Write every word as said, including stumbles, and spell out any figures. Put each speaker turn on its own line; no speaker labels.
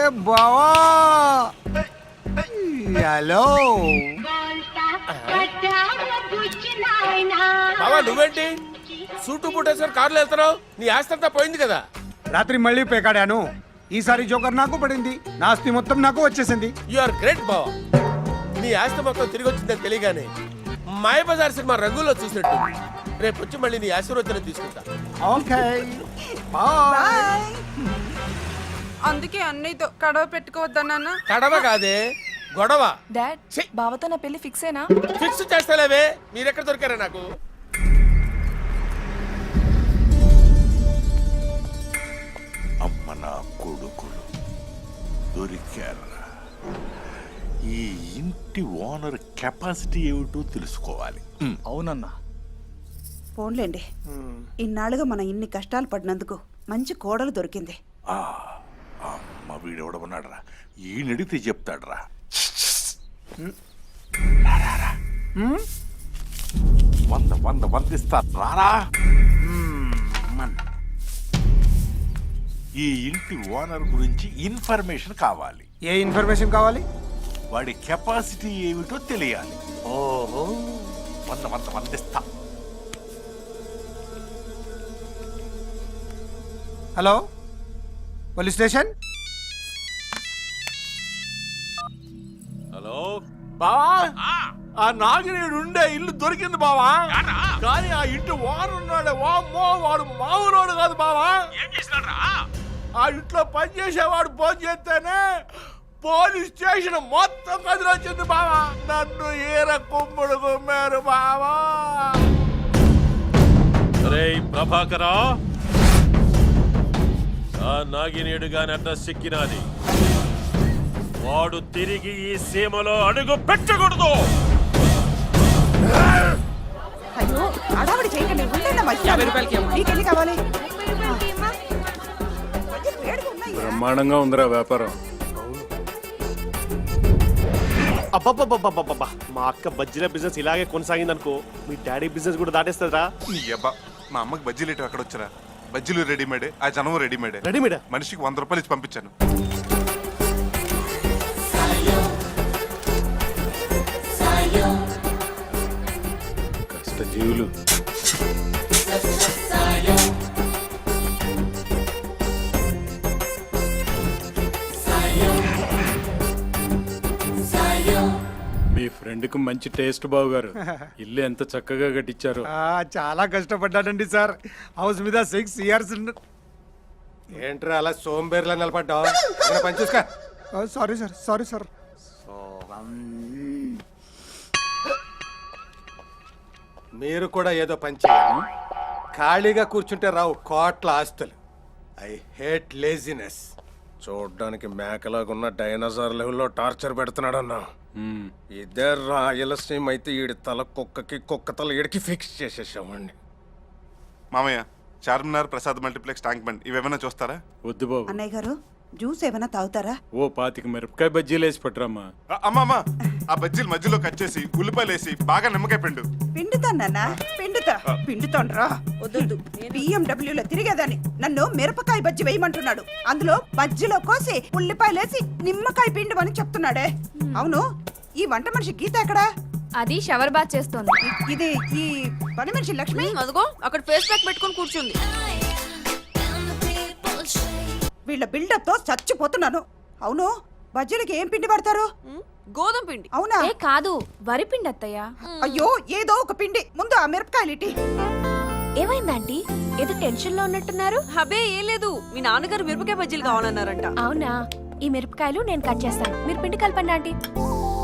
బావా హలో
బావా నువ్వేంటి సూటు బూటేశ్వర్ కార్లో వెళ్తున్నావు? నీ ఆస్తి అంతా పోయింది కదా.
రాత్రి మళ్ళీ పేకాడాను. ఈసారి జోకర్ నాకు పడింది. నా ఆస్తి మొత్తం నాకు వచ్చేసింది.
యు ఆర్ గ్రేట్ బావా. నీ ఆస్తి మొత్తం తిరిగి వచ్చిందని తెలియగానే మాయ బజార్ సినిమా రంగుల్లో చూసినట్టు రేపు వచ్చి మళ్ళీ నీ ఆశీర్వచనం తీసుకుంటా.
Okay bye.
అందుకే అన్నయ్యతో కడవ పెట్టుకోవద్దన్నా.
కడవ కాదే గొడవ.
డాడ్ బావతో నా పెళ్లి ఫిక్స్ అయినా?
ఫిక్స్ చేస్తలేవే. మీరెక్కడ దొరికారా నాకు?
అమ్మ నా కొడుకులు దొరికారా. ఈ ఇంటి ఓనర్ కెపాసిటీ ఏమిటో తెలుసుకోవాలి.
అవునన్నా.
ఫోన్లేండి, ఇన్నాళ్ళుగా మనం ఇన్ని కష్టాలు పడినందుకు మంచి కోడలు దొరికింది.
ఆ, అమ్మ వీడెవడమన్నాడరా, ఈయనడిగితే చెప్తాడరా. వంద వంద వంద ఇస్తా రారా. ఈ ఇంటి ఓనర్ గురించి ఇన్ఫర్మేషన్ కావాలి.
ఏ ఇన్ఫర్మేషన్ కావాలి?
వాడి కెపాసిటీ ఏమిటో తెలియాలి. ఓహో, వంద వంద వంద ఇస్తా.
Hello police station.
హలో బావా, ఆ నాగినేడు ఉండే ఇల్లు దొరికింది బావా. కానీ ఆ ఇంటి వారు ఉన్నాడే, వామ్మో వాడు మామూలోడు కాదు బావా. ఏం చేసినాడ్రా? ఆ ఇంట్లో పనిచేసేవాడు ఫోన్ చేస్తేనే పోలీస్ స్టేషన్ మొత్తం కదిలొచ్చింది బావా. నన్ను ఏర కుమ్ముడు కుమ్మారు బావా.
ప్రభాకరా, ఆ నాగినేడు గాని అడ్రస్ సిక్కినాది. వాడు తిరిగి ఈ సీమలో అడుగు పెట్టకూడదు.
అయ్యో అడావిడి చేయకండి, ఉండండి మధ్య. నీకెన్ని కావాలి?
బ్రహ్మాండంగా ఉందిరా వ్యాపారం.
అబ్బబ్బబ్బబ్బబ్బబ్బా, మా అక్క బజ్జీల బిజినెస్ ఇలాగే కొనసాగిందనుకో, మీ డాడీ బిజినెస్ కూడా దాటేస్తుందా?
నీ అబ్బా, మా అమ్మకి బజ్జీలు ఇటు అక్కడ వచ్చారా? బజ్జీలు రెడీమేడే, ఆ జనం రెడీమేడే.
రెడీమేడా?
మనిషికి వంద రూపాయలు ఇచ్చి పంపించాను.
కష్టజీవులు. మీ ఫ్రెండ్ కు మంచి టేస్ట్ బావు గారు. ఇల్లు ఎంత చక్కగా కట్టించారు.
చాలా కష్టపడ్డాడండి సార్. హౌస్ మీద సిక్స్ ఇయర్స్.
ఏంట్రా అలా సోంబేర్లా నిలబడ్డావు? పని చూసుకో.
Sorry sir, sorry sir.
మీరు కూడా ఏదో పని చేయాలి. ఖాళీగా కూర్చుంటే రావు కోట్ల ఆస్తులు. I hate laziness. చూడ్డానికి మేకలాగున్న డైనోసార్ లెవెల్లో టార్చర్ పెడుతున్నాడన్నా. ఇదే రాయలసీమ అయితే ఈడి తల కుక్కకి, కుక్క తల ఈడికి ఫిక్స్ చేసేసామండి.
మామయ్య, Charminar, Prasad multiplex, tank bund ఇవేమైనా చూస్తారా?
వద్దు బాబు.
అన్నయ్య గారు జ్యూస్ ఏమైనా తాగుతారా?
ఓ పాతిక మిరపకాయ బజ్జీలు వేసి పట్టురమ్మా.
అమ్మా అమ్మా, ఆ బజ్జీలు మధ్యలో కట్ చేసి ఉల్లిపాయలు వేసి బాగా నిమ్మకాయ పిండు.
పిండుతానన్నా, పిండుతా పిండుతాండ్రా. వద్దు, బిఎండబ్ల్యూలో తిరిగేదాన్ని నన్ను మిరపకాయ బజ్జి వేయమంటున్నాడు. అందులో బజ్జిలో కోసి ఉల్లిపాయలేసి నిమ్మకాయ పిండుమని చెప్తున్నాడే. అవును, ఈ వంట మనిషి గీత ఎక్కడా?
అది షవర్ బాత్ చేస్తోంది.
ఇది ఈ పని మనిషి లక్ష్మి.
అదిగో అక్కడ ఫేస్ ప్యాక్ పెట్టుకొని కూర్చుంది.
వీళ్ళ బిల్డప్ తో చచ్చిపోతున్నాను. అవును, బజ్జీలకి ఏం పిండి పడతారు?
గోధుమ పిండి.
అవునా?
ఏ కాదు, వరి పిండి అత్తయ్య.
అయ్యో, ఏదో ఒక పిండి. ముందు ఆ మిరపకాయలు ఇటీ.
ఏమైందంటీ? ఏదో టెన్షన్ లో ఉన్నట్టున్నారు.
హబే ఏం లేదు, మీ నాన్నగారు మిరపకాయ బజ్జీలు కావాలన్నారంట.
అవునా? ఈ మిరపకాయలు నేను కట్ చేస్తాను, మీరు పిండి కలపండి ఆంటీ.